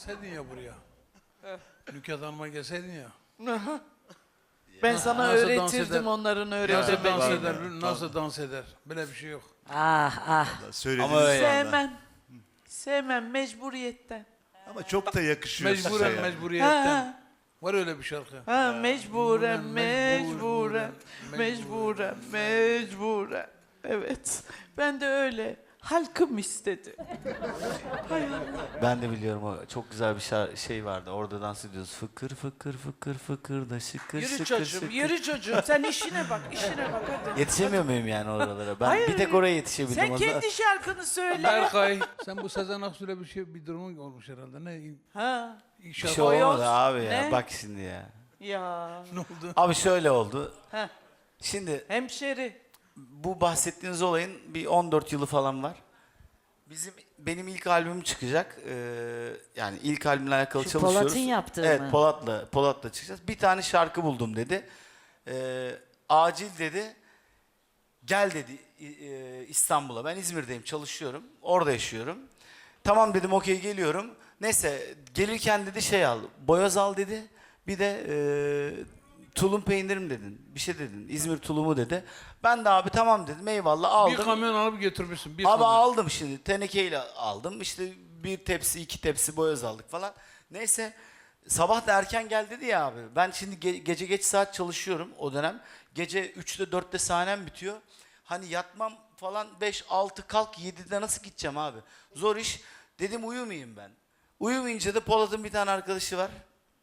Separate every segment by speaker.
Speaker 1: Gelseydin ya buraya. Nükhet Hanım'a gelseydin ya.
Speaker 2: Ben sana
Speaker 1: Nasıl dans
Speaker 2: öğretirdim
Speaker 1: eder?
Speaker 2: onların
Speaker 1: Nasıl dans
Speaker 2: öğretemediğini.
Speaker 1: eder? Nasıl dans eder? Böyle bir şey yok.
Speaker 3: Ah ah.
Speaker 4: Söylediğiniz
Speaker 5: Ama öyle.
Speaker 4: anda.
Speaker 2: Sevmem. Sevmem mecburiyetten.
Speaker 4: Ama çok da yakışıyor size
Speaker 1: Mecburen,
Speaker 4: yani.
Speaker 1: mecburiyetten. Var öyle bir şarkı.
Speaker 2: Ha mecburen,
Speaker 1: Mecburen,
Speaker 2: mecburen, mecburen. Evet. Ben de öyle. Halkım istedi. Hay Allah.
Speaker 5: Ben de biliyorum o çok güzel bir şey vardı. Orada dans ediyoruz. Fıkır fıkır fıkır fıkır da şıkır
Speaker 2: Yürü
Speaker 5: şıkır
Speaker 2: çocuğum,
Speaker 5: şıkır.
Speaker 2: yürü çocuğum. Sen işine bak, işine bak hadi.
Speaker 5: Yetişemiyor muyum yani oralara? Ben
Speaker 2: Hayır.
Speaker 5: bir tek oraya yetişebildim.
Speaker 2: Sen
Speaker 5: o zaman.
Speaker 2: kendi şarkını söyle.
Speaker 1: Berkay, sen bu Sezen Aksu'yla bir durumun olmuş herhalde. Ne?
Speaker 2: Ha.
Speaker 5: Bir
Speaker 1: İnşallah.
Speaker 5: şey olmadı
Speaker 2: Boyoz.
Speaker 5: abi ya.
Speaker 2: Ne?
Speaker 5: Bak şimdi ya.
Speaker 2: Ya.
Speaker 1: Ne oldu?
Speaker 5: Abi şöyle oldu.
Speaker 2: Ha.
Speaker 5: Şimdi
Speaker 2: Hemşeri.
Speaker 5: bu bahsettiğiniz olayın bir 14 yılı falan var. Benim ilk albümüm çıkacak. Yani ilk albümle alakalı
Speaker 3: Şu
Speaker 5: çalışıyoruz.
Speaker 3: Polat'ın yaptığı
Speaker 5: evet,
Speaker 3: mı?
Speaker 5: Polat'la çıkacağız. Bir tane şarkı buldum dedi. Acil dedi. Gel dedi İstanbul'a. Ben İzmir'deyim, çalışıyorum. Orada yaşıyorum. Tamam dedim, okey geliyorum. Neyse gelirken dedi şey al. Boyoz al dedi. Bir de tulum peynirim dedin. Bir şey dedin. İzmir tulumu dedi. Ben de abi tamam dedim. Eyvallah aldım.
Speaker 1: Bir kamyon alıp götürmüşsün. Bir
Speaker 5: Abi
Speaker 1: kamyon.
Speaker 5: aldım şimdi. Tenekeyle aldım. İşte bir tepsi, 2 tepsi boyoz aldık falan. Neyse sabah da erken gel dedi ya abi. Ben şimdi gece geç saat çalışıyorum o dönem. Gece 3'te 4'te sahnem bitiyor. Hani yatmam falan 5-6 kalk 7'de nasıl gideceğim abi? Zor iş. Dedim uyumayayım ben. Uyumayınca da Polat'ın bir tane arkadaşı var.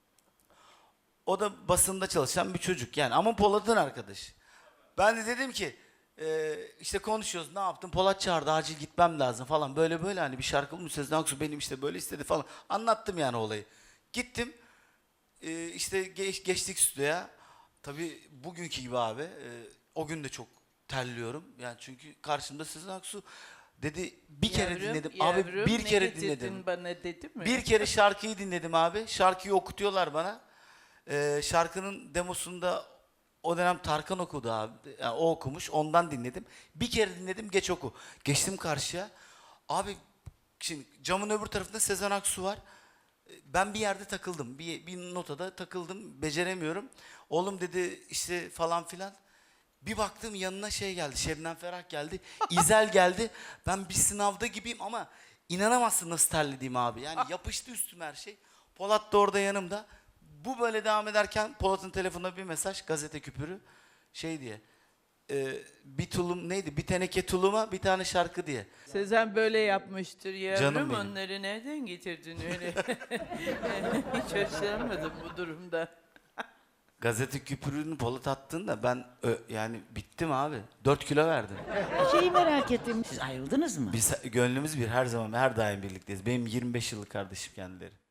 Speaker 5: O da basında çalışan bir çocuk yani ama Polat'ın arkadaşı. Ben de dedim ki işte konuşuyoruz, ne yaptın? Polat çağırdı, acil gitmem lazım falan. Böyle böyle hani bir şarkı bulmuş, Sezen Aksu benim işte böyle istedi falan. Anlattım yani olayı. Gittim işte geçtik stüdyoya. Tabii bugünkü gibi abi o gün de çok terliyorum. Yani çünkü karşımda Sezen Aksu dedi bir kere dinledim. Abi bir kere dinledim.
Speaker 2: Bana dedi mi?
Speaker 5: Bir kere şarkıyı dinledim abi. Şarkıyı okutuyorlar bana. Şarkının demosunda o dönem Tarkan okudu abi. Yani o okumuş. Ondan dinledim. Bir kere dinledim, geç oku. Geçtim karşıya. Abi şimdi camın öbür tarafında Sezen Aksu var. Ben bir yerde takıldım. Bir notada takıldım. Beceremiyorum. Oğlum dedi işte falan filan. Bir baktım yanına şey geldi. Şebnem Ferah geldi. İzel geldi. Ben bir sınavda gibiyim ama inanamazsın nasıl terlediğim abi. Yani yapıştı üstüme her şey. Polat da orada yanımda. Bu böyle devam ederken Polat'ın telefonuna bir mesaj, gazete küpürü şey diye. Bir tulum neydi? Bir teneke tuluma bir tane şarkı diye.
Speaker 2: Sezen böyle yapmıştır yavrum.
Speaker 5: Canım benim.
Speaker 2: Onları nereden getirdin öyle? Hiç hoşlanmadım bu durumda.
Speaker 5: Gazete küpürünü Polat attığında ben yani bittim abi. 4 kilo verdim.
Speaker 3: Şeyi merak ettim. Siz ayrıldınız mı?
Speaker 5: Biz gönlümüz bir, her zaman her daim birlikteyiz. Benim 25 yıllık kardeşim kendileri.